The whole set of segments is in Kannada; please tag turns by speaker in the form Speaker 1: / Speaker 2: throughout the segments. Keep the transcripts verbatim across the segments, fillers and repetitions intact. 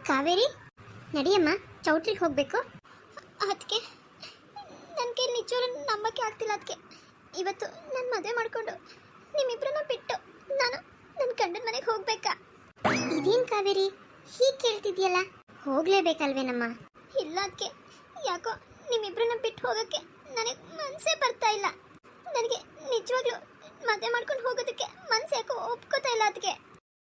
Speaker 1: ಕಾವೇರಿ ನಡಿಯಮ್ಮ, ಚೌಟ್ರಿಗೆ ಹೋಗ್ಬೇಕು. ಅದಕ್ಕೆ ನನ್ನ ಕೈಲಿ ನಿಜವಾಗ್ಲೂ ನಂಬಕ್ಕೆ ಆಗ್ತಿಲ್ಲ. ಅದಕ್ಕೆ ಇವತ್ತು ನನ್ನ ಮದುವೆ ಮಾಡಿಕೊಂಡು ನಿಮ್ಮಿಬ್ಬರನ್ನ ಬಿಟ್ಟು ನಾನು ನನ್ನ ಗಂಡನ ಮನೆಗೆ ಹೋಗ್ಬೇಕಾ? ಇದೇನು ಕಾವೇರಿ ಹೀಗೆ ಕೇಳ್ತಿದ್ಯಲ್ಲ? ಹೋಗ್ಲೇಬೇಕಲ್ವೇನಮ್ಮ? ಇಲ್ಲ ಅದಕ್ಕೆ ಯಾಕೋ ನಿಮ್ಮಿಬ್ಬರನ್ನ ಬಿಟ್ಟು ಹೋಗೋಕ್ಕೆ ನನಗೆ ಮನಸ್ಸೇ ಬರ್ತಾ ಇಲ್ಲ. ನನಗೆ ನಿಜವಾಗ್ಲೂ ಮದುವೆ ಮಾಡ್ಕೊಂಡು ಹೋಗೋದಕ್ಕೆ ಮನಸ್ಸು ಯಾಕೋ ಒಪ್ಕೋತಾ ಇಲ್ಲ. ಅದಕ್ಕೆ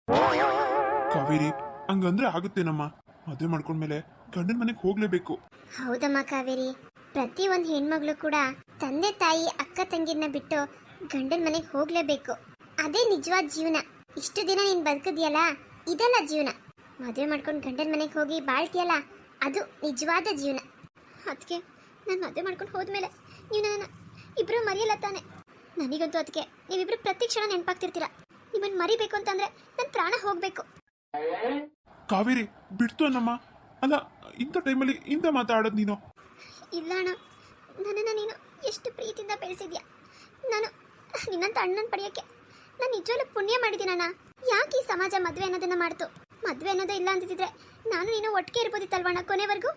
Speaker 2: ಕಾವೇರಿ ಹಂಗಂದ್ರೆ ಆಗುತ್ತೇನಮ್ಮ? ಮದುವೆ ಮಾಡ್ಕೊಂಡ್ಮೇಲೆ ಗಂಡನ ಮನೆಗೆ ಹೋಗ್ಲೇಬೇಕು.
Speaker 1: ಹೌದಮ್ಮ ಕಾವೇರಿ, ಪ್ರತಿ ಒಂದು ಹೆಣ್ಮಗಳು ಕೂಡ ತಂದೆ ತಾಯಿ ಅಕ್ಕ ತಂಗಿನ ಬಿಟ್ಟು ಗಂಡನ ಮನೆಗೆ ಹೋಗ್ಲೇಬೇಕು. ಅದೇ ನಿಜವಾದ ಜೀವನ. ಇಷ್ಟು ದಿನ ನೀನು ಬದುಕಿದ್ಯಲ್ಲ, ಇದಲ್ಲ ಜೀವನ. ಮದುವೆ ಮಾಡ್ಕೊಂಡು ಗಂಡನ ಮನೆಗೆ ಹೋಗಿ ಬಾಳ್ತೀಯಲ್ಲ, ಅದು ನಿಜವಾದ ಜೀವನ. ಅದಕ್ಕೆ ನಾನು ಮದುವೆ ಮಾಡ್ಕೊಂಡು ಹೋದ್ಮೇಲೆ ನೀವು ನನ್ನ ಇಬ್ಬರು ಮರೆಯಲ್ಲ ತಾನೆ? ನನಗಂತೂ ಅದಕ್ಕೆ ನೀವಿಬ್ರು ಪ್ರತಿ ಕ್ಷಣ ನೆನಪಾಗ್ತಿರ್ತೀರ. ನಿಮ್ಮನ್ನು ಮರಿಬೇಕು ಅಂತಂದ್ರೆ ನನ್ನ ಪ್ರಾಣ ಹೋಗ್ಬೇಕು.
Speaker 2: ಕಾವೇರಿ ಬಿಡ್ತು ಅನ್ನಮ್ಮ. ಅಲ್ಲ, ಇಂಥ ಟೈಮಲ್ಲಿ ಇಂಥ ಮಾತಾಡೋದು ನೀನು?
Speaker 1: ಇಲ್ಲ ಅಣ್ಣ, ನನ್ನನ್ನು ನೀನು ಎಷ್ಟು ಪ್ರೀತಿಯಿಂದ ಬೆಳೆಸಿದ್ಯಾ. ನಾನು ನಿನ್ನಂತ ಅಣ್ಣನ ಪಡೆಯೋಕ್ಕೆ ನಾನು ನಿಜವಾಗ್ಲೂ ಪುಣ್ಯ ಮಾಡಿದ್ದೀನಣ್ಣ. ಯಾಕೆ ಈ ಸಮಾಜ ಮದುವೆ ಅನ್ನೋದನ್ನ ಮಾಡ್ತು? ಮದುವೆ ಅನ್ನೋದೇ ಇಲ್ಲ ಅಂತಿದ್ರೆ ನಾನು ನೀನು ಒಟ್ಟಿಗೆ ಇರ್ಬೋದಿತ್ತಲ್ವಣ್ಣ ಕೊನೆವರೆಗೂ?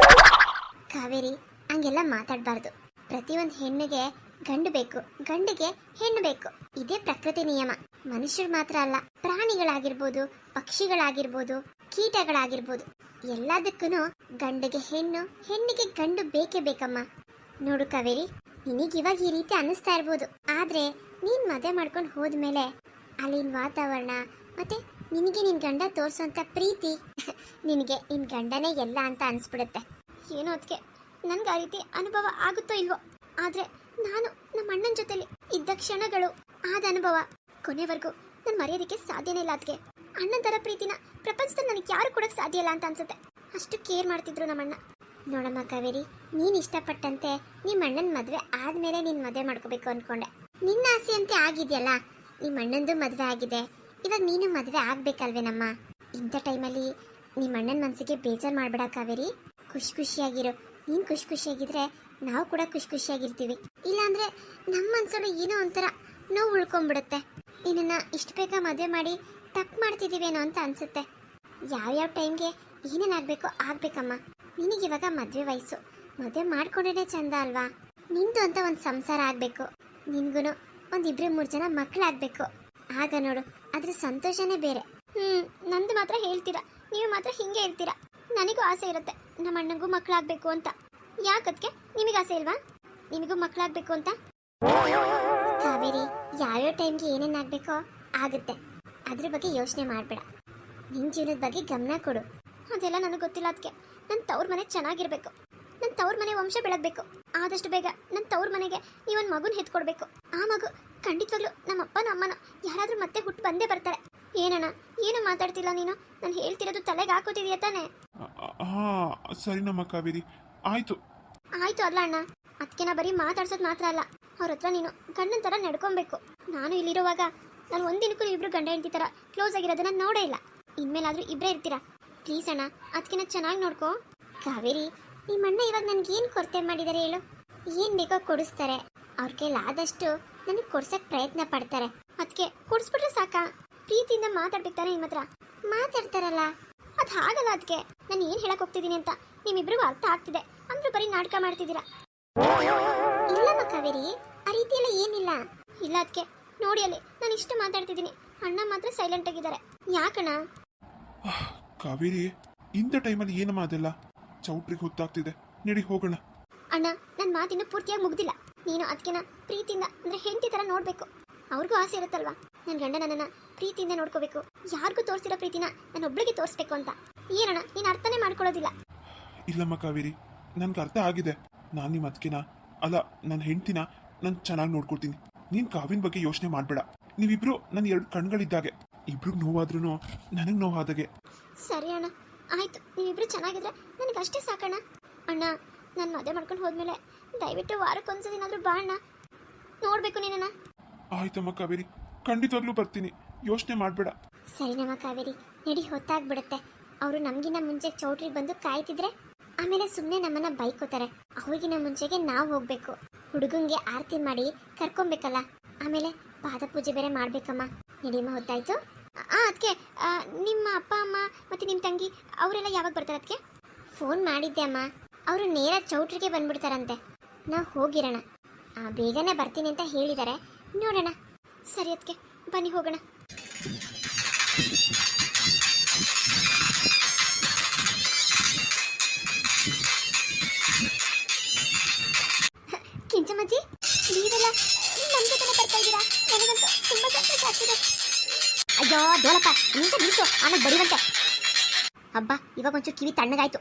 Speaker 1: ಕಾವೇರಿ ಹಂಗೆಲ್ಲ ಮಾತಾಡಬಾರ್ದು. ಪ್ರತಿಯೊಂದು ಹೆಣ್ಣಿಗೆ ಗಂಡು ಬೇಕು, ಗಂಡಿಗೆ ಹೆಣ್ಣು ಬೇಕು. ಇದೇ ಪ್ರಕೃತಿ ನಿಯಮ. ಮನುಷ್ಯರು ಮಾತ್ರ ಅಲ್ಲ, ಪ್ರಾಣಿಗಳಾಗಿರ್ಬೋದು, ಪಕ್ಷಿಗಳಾಗಿರ್ಬೋದು, ಕೀಟಗಳಾಗಿರ್ಬೋದು, ಎಲ್ಲದಕ್ಕೂ ಗಂಡಿಗೆ ಹೆಣ್ಣು, ಹೆಣ್ಣಿಗೆ ಗಂಡು ಬೇಕೇ ಬೇಕಮ್ಮ. ನೋಡು ಕಾವೇರಿ, ನಿನಗಿವಾಗ ಈ ರೀತಿ ಅನ್ನಿಸ್ತಾ ಇರ್ಬೋದು, ಆದ್ರೆ ನೀನ್ ಮದುವೆ ಮಾಡ್ಕೊಂಡು ಹೋದ್ಮೇಲೆ ಅಲ್ಲಿನ ವಾತಾವರಣ ಮತ್ತೆ ನಿನಗೆ ನಿನ್ ಗಂಡ ತೋರ್ಸೋಂಥ ಪ್ರೀತಿ ನಿನಗೆ ನಿನ್ ಗಂಡನೇ ಎಲ್ಲ ಅಂತ ಅನ್ಸ್ಬಿಡುತ್ತೆ. ಏನೋ ಅದಕ್ಕೆ ನನ್ಗೆ ಆ ರೀತಿ ಅನುಭವ ಆಗುತ್ತೋ ಇಲ್ವೋ, ಆದ್ರೆ ನಾನು ನಮ್ಮ ಅಣ್ಣನ ಜೊತೆಲಿ ಇದ್ದ ಕ್ಷಣಗಳು, ಆದ ಅನುಭವ ಕೊನೆವರೆಗೂ ನಾನು ಮರೆಯೋದಕ್ಕೆ ಸಾಧ್ಯನೇ ಇಲ್ಲ. ಅದಕ್ಕೆ ಅಣ್ಣನ ಥರ ಪ್ರೀತಿನ ಪ್ರಪಂಚದಲ್ಲಿ ನನಗೆ ಯಾರು ಕೊಡೋಕ್ಕೆ ಸಾಧ್ಯ ಇಲ್ಲ ಅಂತ ಅನ್ಸುತ್ತೆ. ಅಷ್ಟು ಕೇರ್ ಮಾಡ್ತಿದ್ರು ನಮ್ಮಣ್ಣ. ನೋಡಮ್ಮ ಕಾವೇರಿ, ನೀನು ಇಷ್ಟಪಟ್ಟಂತೆ ನಿಮ್ಮ ಅಣ್ಣನ ಮದುವೆ ಆದಮೇಲೆ ನೀನು ಮದುವೆ ಮಾಡ್ಕೋಬೇಕು ಅಂದ್ಕೊಂಡೆ. ನಿನ್ನ ಆಸೆಯಂತೆ ಆಗಿದೆಯಲ್ಲ, ನಿಮ್ಮ ಅಣ್ಣಂದು ಮದುವೆ ಆಗಿದೆ, ಇವಾಗ ನೀನು ಮದುವೆ ಆಗ್ಬೇಕಲ್ವೇನಮ್ಮ? ಇಂಥ ಟೈಮಲ್ಲಿ ನಿಮ್ಮ ಅಣ್ಣನ ಮನಸ್ಸಿಗೆ ಬೇಜಾರು ಮಾಡಬೇಡ ಕಾವೇರಿ. ಖುಷಿ ಖುಷಿಯಾಗಿರು. ನೀನು ಖುಷಿ ಖುಷಿಯಾಗಿದ್ರೆ ನಾವು ಕೂಡ ಖುಷಿ ಖುಷಿಯಾಗಿರ್ತೀವಿ. ಇಲ್ಲಾಂದ್ರೆ ನಮ್ಮ ಮನಸ್ಸಲ್ಲಿ ಏನೋ ಒಂಥರ ನೋವು ಉಳ್ಕೊಂಡ್ಬಿಡುತ್ತೆ. ನಿನ್ನ ಇಷ್ಟು ಬೇಗ ಮದುವೆ ಮಾಡಿ ತಪ್ಪು ಮಾಡ್ತಿದ್ದೀವೇನೋ ಅಂತ ಅನ್ಸುತ್ತೆ. ಯಾವ್ಯಾವ ಟೈಮ್ಗೆ ಏನೇನಾಗಬೇಕೋ ಆಗ್ಬೇಕಮ್ಮ. ನಿನಗಿವಾಗ ಮದುವೆ ವಯಸ್ಸು, ಮದುವೆ ಮಾಡ್ಕೊಂಡೇ ಚಂದ ಅಲ್ವಾ? ನಿಂದು ಅಂತ ಒಂದು ಸಂಸಾರ ಆಗಬೇಕು, ನಿನ್ಗೂ ಒಂದು ಇಬ್ಬರು ಮೂರು ಜನ ಮಕ್ಕಳಾಗಬೇಕು. ಆಗ ನೋಡು, ಅದ್ರ ಸಂತೋಷನೇ ಬೇರೆ. ಹ್ಮ್ ನಂದು ಮಾತ್ರ ಹೇಳ್ತೀರಾ, ನೀವು ಮಾತ್ರ ಹಿಂಗೆ ಇರ್ತೀರಾ. ನನಗೂ ಆಸೆ ಇರುತ್ತೆ ನಮ್ಮ ಅಣ್ಣಂಗೂ ಮಕ್ಕಳಾಗಬೇಕು ಅಂತ. ಯಾಕದ್ಕೆ ನಿಮಗೆ ಆಸೆ ಇಲ್ವಾ ನಿಮಗೂ ಮಕ್ಕಳಾಗಬೇಕು ಅಂತ? ಕಾವೇರಿ, ಯಾವ್ಯಾವ ಟೈಮ್ಗೆ ಏನೇನಾಗಬೇಕೋ ಆಗುತ್ತೆ, ಅದ್ರ ಬಗ್ಗೆ ಯೋಚನೆ ಮಾಡಬೇಡ. ನಿನ್ನ ಜೀವನದ ಬಗ್ಗೆ ಗಮನ ಕೊಡು. ಅದೆಲ್ಲ ನನಗೆ ಗೊತ್ತಿಲ್ಲ. ಅದಕ್ಕೆ ನನ್ನ ತವ್ರ ಮನೆ ಚೆನ್ನಾಗಿರ್ಬೇಕು, ನನ್ನ ತವ್ರ ಮನೆ ವಂಶ ಬೆಳಗಬೇಕು. ಆದಷ್ಟು ಬೇಗ ನನ್ನ ತವ್ರ ಮನೆಗೆ ನೀವೊಂದು ಮಗುನ ಹೆತ್ಕೊಡ್ಬೇಕು. ಆ ಮಗು ಖಂಡಿತವಾಗ್ಲೂ ನಮ್ಮ ಅಪ್ಪನ ಅಮ್ಮನ ಯಾರಾದರೂ ಮತ್ತೆ ಹುಟ್ಟು ಬಂದೇ ಬರ್ತಾರೆ. ಏನಣ್ಣ ಏನು ಮಾತಾಡ್ತಿಲ್ಲ ನೀನು? ನಾನು ಹೇಳ್ತಿರೋದು ತಲೆಗೆ ಹಾಕೋತಿದೀಯ ತಾನೆ?
Speaker 2: ಹಾ ಸರಿನಮ್ಮ ಕಾವೇರಿ, ಆಯ್ತು
Speaker 1: ಆಯ್ತು ಅಲ್ಲ ಅಣ್ಣ, ಅದಕ್ಕೆ ನಾ ಬರೀ ಮಾತಾಡ್ಸೋದು ಮಾತ್ರ ಅಲ್ಲ, ಅವ್ರ ಹತ್ರ ನೀನು ಗಂಡನ ಥರ ನಡ್ಕೊಬೇಕು. ನಾನು ಇಲ್ಲಿರುವಾಗ ನಾನು ಒಂದಿನಕ್ಕೂ ಇಬ್ರು ಗಂಡ ಹೆಂಡತಿ ಥರ ಕ್ಲೋಸ್ ಆಗಿರೋದನ್ನ ನೋಡೇ ಇಲ್ಲ. ಇನ್ಮೇಲಾದ್ರೂ ಇಬ್ಬರೇ ಇರ್ತೀರಾ ಪ್ಲೀಸ್ ಅಣ್ಣ, ಅದಕ್ಕೆ ಚೆನ್ನಾಗಿ ನೋಡ್ಕೋ. ಕಾವೇರಿ, ನಿಮ್ಮಣ್ಣ ಇವಾಗ ನನ್ಗೇನು ಕೊರತೆ ಮಾಡಿದ್ದಾರೆ ಹೇಳು? ಏನು ಬೇಕೋ ಕೊಡಿಸ್ತಾರೆ. ಅವ್ರ ಕೈಲಿ ಆದಷ್ಟು ನನಗೆ ಕೊಡ್ಸಕ್ಕೆ ಪ್ರಯತ್ನ ಪಡ್ತಾರೆ. ಅದಕ್ಕೆ ಕೊಡಿಸ್ಬಿಟ್ರೆ ಸಾಕಾ? ಪ್ರೀತಿಯಿಂದ ಮಾತಾಡ್ಬೇಕು ತಾನೆ ನಿಮ್ಮ ಹತ್ರ. ಮಾತಾಡ್ತಾರಲ್ಲ, ಅದು ಹಾಗಲ್ಲ. ಅದಕ್ಕೆ ನಾನು ಏನು ಹೇಳಕ್ ಹೋಗ್ತಿದ್ದೀನಿ ಅಂತ ನಿಮ್ಮಿಬ್ರಿಗೂ ಅರ್ಥ ಆಗ್ತಿದೆ, ಅಂದ್ರೆ ಬರೀ ನಾಟಕ ಮಾಡ್ತಿದ್ದೀರಾ. ಇಲ್ಲಮ್ಮ ಕಾವೇರಿ, ಆ ರೀತಿ ಎಲ್ಲ ಏನಿಲ್ಲ. ಇಲ್ಲ ಅದಕ್ಕೆ ನೋಡಿ, ಅಲ್ಲಿ ನಾನು ಇಷ್ಟು ಮಾತಾಡ್ತಿದ್ದೀನಿ, ಅಣ್ಣ ಮಾತ್ರ ಸೈಲೆಂಟ್ ಆಗಿದ್ದಾರೆ. ಯಾಕಣ್ಣ?
Speaker 2: ಕಾವೇರಿ, ಇಂಥ ಟೈಮಲ್ಲಿ ಏನಮ್ಮ ಅದೆಲ್ಲ? ಚೌಟ್ರಿಗೆ ಹೊತ್ತಾಗ್ತಿದೆ, ನಡಿ ಹೋಗೋಣ.
Speaker 1: ಅಣ್ಣ, ನನ್ನ ಮಾತಿನ್ನು ಪೂರ್ತಿಯಾಗಿ ಮುಗ್ದಿಲ್ಲ. ನೀನು ಅದಕ್ಕೆನ ಪ್ರೀತಿಯಿಂದ ಅಂದ್ರೆ ಹೆಂಡತಿ ಥರ ನೋಡ್ಬೇಕು. ಅವ್ರಿಗೂ ಆಸೆ ಇರುತ್ತಲ್ವಾ, ನನ್ನ ಗಂಡ ನನ್ನನ್ನ ಪ್ರೀತಿಯಿಂದ ನೋಡ್ಕೋಬೇಕು, ಯಾರಿಗೂ ತೋರಿಸಿರೋ ಪ್ರೀತಿನ ನಾನು ಒಬ್ಳಿಗೆ ತೋರಿಸ್ಬೇಕು ಅಂತ. ಏನಣ್ಣ ನೀನು ಅರ್ಥನೇ ಮಾಡ್ಕೊಳ್ಳೋದಿಲ್ಲ.
Speaker 2: ಇಲ್ಲಮ್ಮ ಕಾವೇರಿ, ನನ್ಗೆ ಅರ್ಥ ಆಗಿದೆ. ನಾನು ನಿಮ್ಮ ಅದಕ್ಕೆನ ಅಲ್ಲ, ನನ್ನ ಹೆಂಡ್ತಿನ ನಾನು ಚೆನ್ನಾಗಿ ನೋಡ್ಕೊಳ್ತೀನಿ. ನೀನು ಕಾವಿನ ಬಗ್ಗೆ ಯೋಚನೆ ಮಾಡಬೇಡ. ನೀವಿಬ್ರು ನನ್ನ ಎರಡು ಕಣ್ಗಳಿದ್ದಾಗೆ, ಇಬ್ರಿಗೆ ನೋವಾದ್ರೂ ನನಗೆ ನೋವಾದಾಗೆ.
Speaker 1: ಸರಿ ಅಣ್ಣ, ಆಯ್ತು. ನೀವಿಬ್ರು ಚೆನ್ನಾಗಿದ್ರೆ ನನಗೆ ಅಷ್ಟೇ ಸಾಕಣ್ಣ. ಅಣ್ಣ, ನಾನು ಮದುವೆ ಮಾಡ್ಕೊಂಡು ಹೋದ್ಮೇಲೆ ದಯವಿಟ್ಟು ವಾರಕ್ಕೊಂದ್ಸದಿನಾದ್ರೂ ಬಾ ಅಣ್ಣ, ನೋಡ್ಬೇಕು ನಿನ್ನ.
Speaker 2: ಆಯ್ತಮ್ಮ ಕಾವೇರಿ, ಖಂಡಿತವಾಗ್ಲೂ ಬರ್ತೀನಿ, ಯೋಚನೆ ಮಾಡಬೇಡ.
Speaker 1: ಸರಿನಮ್ಮ ಕಾವೇರಿ, ನಡಿ, ಹೊತ್ತಾಗ್ಬಿಡುತ್ತೆ. ಅವರು ನಮಗಿನ್ನ ಮುಂಚೆ ಚೌಟ್ರಿಗೆ ಬಂದು ಕಾಯ್ತಿದ್ರೆ ಆಮೇಲೆ ಸುಮ್ಮನೆ ನಮ್ಮನ್ನ ಬೈಕೋತಾರೆ. ಅವ್ರಿಗಿನ ಮುಂಚೆಗೆ ನಾವು ಹೋಗ್ಬೇಕು. ಹುಡುಗಂಗೆ ಆರತಿ ಮಾಡಿ ಕರ್ಕೊಬೇಕಲ್ಲ, ಆಮೇಲೆ ಪಾದ ಪೂಜೆ ಬೇರೆ ಮಾಡ್ಬೇಕಮ್ಮ. ನಡಿಯಮ್ಮ, ಹೊತ್ತಾಯ್ತು. ಆ ಅದಕ್ಕೆ ನಿಮ್ಮ ಅಪ್ಪ ಅಮ್ಮ ಮತ್ತು ನಿಮ್ಮ ತಂಗಿ ಅವರೆಲ್ಲ ಯಾವಾಗ ಬರ್ತಾರೆ ಅದಕ್ಕೆ? ಫೋನ್ ಮಾಡಿದ್ದೆ ಅಮ್ಮ, ಅವರು ನೇರ ಚೌಟ್ರಿಗೆ ಬಂದ್ಬಿಡ್ತಾರಂತೆ. ನಾವು ಹೋಗಿರೋಣ, ಆ, ಬೇಗನೆ ಬರ್ತೀನಿ ಅಂತ ಹೇಳಿದ್ದಾರೆ. ನೋಡೋಣ. ಸರಿ ಅದಕ್ಕೆ ಬನ್ನಿ ಹೋಗೋಣ. ಕಿಂಚಮ್ಮಜ್ಜಿ, ನೀವೆಲ್ಲ ನಮ್ಮ ಜೊತೆನೆ ಬರ್ತಾ ಇದ್ದೀರಾ? ನನಗಂತೂ ತುಂಬಾ ಸಂತೋಷ ಆಗ್ತಿದೆ. ಅಯ್ಯೋ ಡೋಲಪ್ಪ, ನಿಂತ ನಿಂತು ಆಮೇಲೆ ಬಡಿವಂತೆ. ಹಬ್ಬ, ಇವಾಗ ಒಂಚೂರು ಕಿವಿ ತಣ್ಣಗಾಯ್ತು.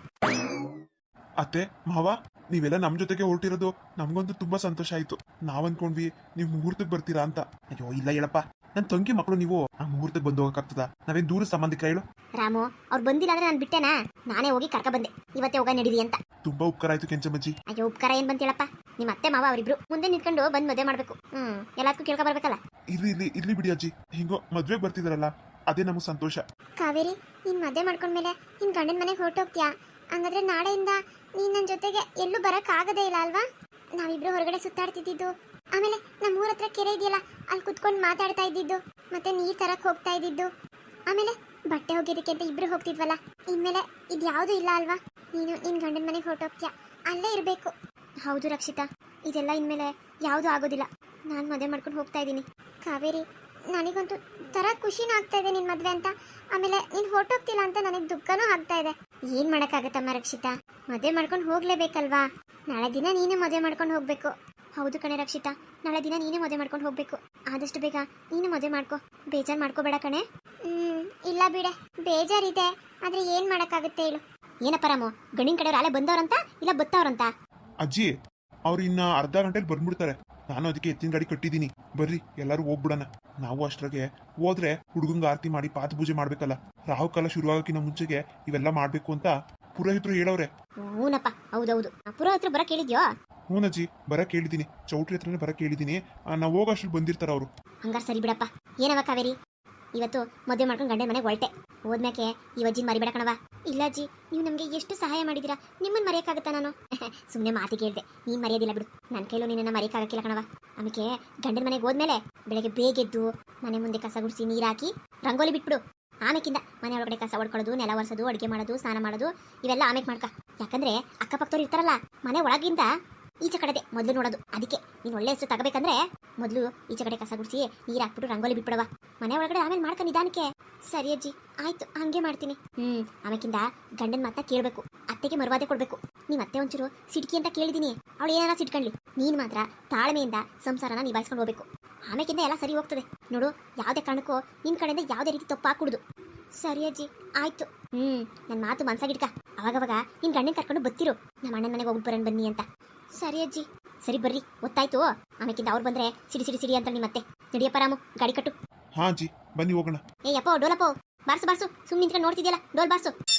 Speaker 2: ಅತ್ತೆ ಮಾವ, ನೀವೆಲ್ಲ ನಮ್ ಜೊತೆಗೆ ಹೊರಟಿರೋದು ನಮ್ಗಂತೂ ತುಂಬಾ ಸಂತೋಷ ಆಯ್ತು. ನಾವ್ ಅನ್ಕೊಂಡ್ವಿ ನೀವು ಮುಹೂರ್ತಕ್ಕೆ ಬರ್ತೀರಾ ಅಂತ. ಅಯ್ಯೋ ಇಲ್ಲ ಹೇಳಪ್ಪ, ನನ್ ತಂಗಿ ಮಕ್ಕಳು ನೀವು ಆ ಮುಹೂರ್ತಕ್ಕೆ ಬಂದು ಹೋಗಕ್ಕಾಗ್ತದ? ನಾವೇನ್ ದೂರ ಸಂಬಂಧಿಕರ ಹೇಳು?
Speaker 1: ರಾಮು, ಅವ್ರು ಬಂದಿಲ್ಲ ಅಂದ್ರೆ ನಾನು ಬಿಟ್ಟೆನಾ? ನಾನೇ ಹೋಗಿ ಕರ್ಕ ಬಂದೆ, ಇವತ್ತೇ ಹೋಗ ನಡೀರಿ ಅಂತ.
Speaker 2: ತುಂಬಾ ಉಪಕಾರ ಆಯ್ತು ಕೆಂಚಮ್ಮಜ್ಜಿ.
Speaker 1: ಅಯ್ಯೋ ಉಪಕಾರ ಏನ್ ಬಂತ ಹೇಳಪ್ಪ. ನಿಮ್ಮ ಅತ್ತೆ ಮಾವ ಅವರಿಬ್ರು ಮುಂದೆ ನಿಂತ್ಕೊಂಡು ಬಂದ್ ಮದುವೆ ಮಾಡ್ಬೇಕು. ಹ್ಮ್ ಎಲ್ಲದಕ್ಕೂ ಕೇಳ್ಕೊ ಬರ್ಬೇಕಲ್ಲ.
Speaker 2: ಇರ್ಲಿ ಇರ್ಲಿ ಇರ್ಲಿ ಬಿಡಿ ಅಜ್ಜಿ, ಹಿಂಗೋ ಮದ್ವೆಗೆ ಬರ್ತಿದಾರಲ್ಲ ಅದೇ ನಮಗ್ ಸಂತೋಷ.
Speaker 1: ಕಾವೇರಿ, ನೀನ್ ಮದುವೆ ಮಾಡ್ಕೊಂಡ್ಮೇಲೆ ನಿನ್ ಗಂಡನ ಮನೆಗೆ ಹೊರಟೋಗ್ತೀಯಾ? ಹಂಗಾದ್ರೆ ನಾಳೆಯಿಂದ ನೀನ್ ನನ್ನ ಜೊತೆಗೆ ಎಲ್ಲೂ ಬರಕ್ ಆಗದೇ ಇಲ್ಲ ಅಲ್ವಾ? ನಾವಿಬ್ರು ಹೊರಗಡೆ ಸುತ್ತಾಡ್ತಿದ್ದು, ಆಮೇಲೆ ನಮ್ಮ ಊರ ಹತ್ರ ಕೆರೆ ಇದೆಯಲ್ಲ, ಅಲ್ಲಿ ಕುತ್ಕೊಂಡು ಮಾತಾಡ್ತಾ ಇದ್ದಿದ್ದು, ಮತ್ತೆ ನೀರ್ ತರಕ್ ಹೋಗ್ತಾ ಇದ್ದಿದ್ದು, ಆಮೇಲೆ ಬಟ್ಟೆ ಒಗೆಯೋದಕ್ಕೆ ಅಂತ ಇಬ್ರು ಹೋಗ್ತಿದ್ವಲ್ಲ, ಇನ್ಮೇಲೆ ಇದ್ಯಾವುದು ಇಲ್ಲ ಅಲ್ವಾ? ನೀನು ನಿನ್ ಗಂಡನ ಮನೆಗೆ ಹೊರಟೋಗ್ತೀಯಾ, ಅಲ್ಲೇ ಇರಬೇಕು. ಹೌದು ರಕ್ಷಿತಾ, ಇದೆಲ್ಲ ಇನ್ಮೇಲೆ ಯಾವುದು ಆಗೋದಿಲ್ಲ. ನಾನು ಮದುವೆ ಮಾಡ್ಕೊಂಡು ಹೋಗ್ತಾ ಇದ್ದೀನಿ. ಕಾವೇರಿ, ನನಗಂತೂ ತರ ಖುಷಿನೂ ಆಗ್ತಾ ಇದೆ ನಿನ್ ಮದ್ವೆ ಅಂತ, ಆಮೇಲೆ ನೀನ್ ಹೊರಟೋಗ್ತಿಲ್ಲ ಅಂತ ನನಗೆ ದುಃಖನೂ ಆಗ್ತಾ ಇದೆ. ಏನ್ ಮಾಡಕ್ಕಾಗತ್ತಮ್ಮ ರಕ್ಷಿತಾ, ಮದುವೆ ಮಾಡ್ಕೊಂಡು ಹೋಗ್ಲೇಬೇಕಲ್ವಾ? ನಾಳೆ ದಿನ ನೀನೇ ಮದುವೆ ಮಾಡ್ಕೊಂಡು ಹೋಗ್ಬೇಕು. ಹೌದು ಕಣೆ ರಕ್ಷಿತಾ, ನಾಳೆ ದಿನ ನೀನೇ ಮದುವೆ ಮಾಡ್ಕೊಂಡು ಹೋಗ್ಬೇಕು. ಆದಷ್ಟು ಬೇಗ ನೀನು ಮದುವೆ ಮಾಡ್ಕೊ, ಬೇಜಾರು ಮಾಡ್ಕೋಬೇಡ ಕಣೆ. ಹ್ಮ್ ಇಲ್ಲ ಬಿಡೆ, ಬೇಜಾರಿದೆ, ಆದ್ರೆ ಏನ್ ಮಾಡಕ್ಕಾಗುತ್ತೆ ಹೇಳು? ಏನಪ್ಪ ರಾಮು, ಗಂಡಿನ ಕಡೆಯವ್ರು ಅಲ್ಲೇ ಬಂದವ್ರಂತ ಇಲ್ಲ ಬತ್ತವ್ರಂತ?
Speaker 2: ಅಜ್ಜಿ, ಅವ್ರು ಇನ್ನ ಅರ್ಧ ಗಂಟೆಲಿ ಬಂದ್ಬಿಡ್ತಾರೆ. ನಾನು ಅದಕ್ಕೆ ಎತ್ತಿನ ಗಾಡಿ ಕಟ್ಟಿದ್ದೀನಿ. ಬರ್ರಿ ಎಲ್ಲರೂ ಹೋಗ್ಬಿಡೋಣ. ನಾವು ಅಷ್ಟ್ರಾಗೆ ಹೋದ್ರೆ ಹುಡುಗಂಗ ಆರತಿ ಮಾಡಿ ಪಾದ ಪೂಜೆ ಮಾಡ್ಬೇಕಲ್ಲ. ರಾಹು ಕಾಲ ಶುರುವಾಗಕ್ಕಿಂತ ಮುಂಚೆಗೆ ಇವೆಲ್ಲ ಮಾಡ್ಬೇಕು ಅಂತ ಪುರೋಹಿತರು ಹೇಳವ್ರೆ.
Speaker 1: ಹೂನಪ್ಪ, ಹೌದೌದು. ಪುರೋಹಿತರು ಬರಕ್ ಹೇಳಿದ್ಯೋ?
Speaker 2: ಹೂನಜ್ಜಿ, ಬರಕ್ ಹೇಳಿದ್ದೀನಿ. ಚೌಟ್ರಿ ಹತ್ರನೇ ಬರಕ್ ಹೇಳಿದ್ದೀನಿ. ನಾವು ಹೋಗೋಷ್ಟು ಬಂದಿರ್ತಾರ ಅವರು.
Speaker 1: ಹಂಗಾರ ಸರಿ ಬಿಡಪ್ಪ. ಏನವ ಕಾವೇರಿ, ಇವತ್ತು ಮದುವೆ ಮಾಡ್ಕೊಂಡು ಗಂಡನ ಮನೆಗೆ ಹೊರಟೆ. ಹೋದ್ಮ್ಯಾಕೆ ಈ ಅಜ್ಜಿನ ಮರಿಬೇಡ ಕಣವ. ಇಲ್ಲ ಅಜ್ಜಿ, ನೀವು ನಮಗೆ ಎಷ್ಟು ಸಹಾಯ ಮಾಡಿದಿರಾ, ನಿಮ್ಮನ್ನ ಮರೆಯಕ್ಕಾಗತ್ತಾ ನಾನು? ಸುಮ್ಮನೆ ಮಾತಿಗೆ ಹೇಳ್ದೆ, ನೀನ್ ಮರೆಯೋದಿಲ್ಲ ಬಿಡು. ನನ್ನ ಕೈಲೂ ನಿನ್ನ ಮರೆಯಕ್ಕಾಗಕ್ಕಿಲ್ಲ ಕಣವ. ಆಮೇಲೆ ಗಂಡನ ಮನೆಗೆ ಹೋದ್ಮೇಲೆ ಬೆಳಗ್ಗೆ ಬೇಗೆದ್ದು ಮನೆ ಮುಂದೆ ಕಸ ಗುಡಿಸಿ ನೀರು ಹಾಕಿ ರಂಗೋಲಿ ಬಿಟ್ಬಿಡು. ಆಮೇಕಿಂದ ಮನೆ ಒಳಗಡೆ ಕಸ ಹೊಡ್ಕೊಳ್ಳೋದು, ನೆಲ ಒರೆಸೋದು, ಅಡುಗೆ ಮಾಡೋದು, ಸ್ನಾನ ಮಾಡೋದು ಇವೆಲ್ಲ ಆಮೇಲೆ ಮಾಡ್ಕ. ಯಾಕಂದ್ರೆ ಅಕ್ಕಪಕ್ಕದವ್ರು ಇರ್ತಾರಲ್ಲ, ಮನೆ ಒಳಗಿಂದ ಈಚೆ ಕಡೆದೆ ಮೊದಲು ನೋಡೋದು. ಅದಕ್ಕೆ ನೀನು ಒಳ್ಳೆ ಹೆಸರು ತಗೋಬೇಕಂದ್ರೆ ಮೊದಲು ಈಚೆ ಕಡೆ ಕಸ ಗುಡಿಸಿ ನೀರು ಹಾಕ್ಬಿಟ್ಟು ರಂಗೋಲಿ ಬಿಟ್ಬಿಡವ. ಮನೆ ಒಳಗಡೆ ಆಮೇಲೆ ಮಾಡ್ಕ ನಿಧಾನಕ್ಕೆ. ಸರಿ ಅಜ್ಜಿ, ಆಯ್ತು, ಹಂಗೆ ಮಾಡ್ತೀನಿ. ಹ್ಮ್ ಆಮೇಕಿಂದ ಗಂಡನ ಮಾತನ್ನ ಕೇಳಬೇಕು, ಅತ್ತೆಗೆ ಮರುವಾದೆ ಕೊಡ್ಬೇಕು. ನೀವ್ ಅತ್ತೆ ಒಂಚೂರು ಸಿಡ್ಕಿ ಅಂತ ಕೇಳಿದೀನಿ, ಅವಳು ಏನಾರ ಸಿಡ್ಕಂಡ್ಲಿ. ನೀನ್ ಮಾತ್ರ ತಾಳ್ಮೆಯಿಂದ ಸಂಸಾರನ ನಿಭಾಯಿಸ್ಕೊಂಡು ಹೋಗ್ಬೇಕು. ಆಮೇಕಿಂದ ಎಲ್ಲ ಸರಿ ಹೋಗ್ತದೆ ನೋಡು. ಯಾವುದೇ ಕಾರಣಕ್ಕೂ ನಿನ್ ಕಡೆಯಿಂದ ಯಾವುದೇ ರೀತಿ ತಪ್ಪು ಹಾಕುಡುದು. ಸರಿ ಅಜ್ಜಿ, ಆಯ್ತು. ಹ್ಮ್ ನನ್ನ ಮಾತು ಮನ್ಸಾಗಿಡ್ಕ. ಅವಾಗವಾಗ ನಿನ್ ಗಂಡನ ಕರ್ಕೊಂಡು ಬತ್ತಿರು, ನಮ್ಮ ಅಣ್ಣನ ಮನೆಗೆ ಹೋಗ್ಬಿಟ್ಟು ಬರೋಣ ಬನ್ನಿ ಅಂತ. ಸರಿ ಅಜ್ಜಿ. ಸರಿ ಬರ್ರಿ, ಗೊತ್ತಾಯ್ತು. ಆಮೇಕಿಂದ ಅವ್ರು ಬಂದ್ರೆ ಸಿಡಿ ಸಿಡಿ ಸಿಡಿ ಅಂತ ನಿಮ್ಮತ್ತೆ. ನಡಿಯಪ್ಪ ರಾಮು, ಗಾಡಿ ಕಟ್ಟು.
Speaker 2: ಹಾ ಅಜ್ಜಿ, ಬನ್ನಿ ಹೋಗೋಣ.
Speaker 1: ಏ ಅಪ್ಪ, ಡೋಲಪ್ಪ ಬಾರ್ಸು ಬಾರ್ಸು. ಸುಮ್ಮನೆ ನಿಂತ್ಕೊಂಡು ನೋಡ್ತಿದ್ಯಲ್ಲ, ಡೋಲ್ ಬಾರ್ಸು.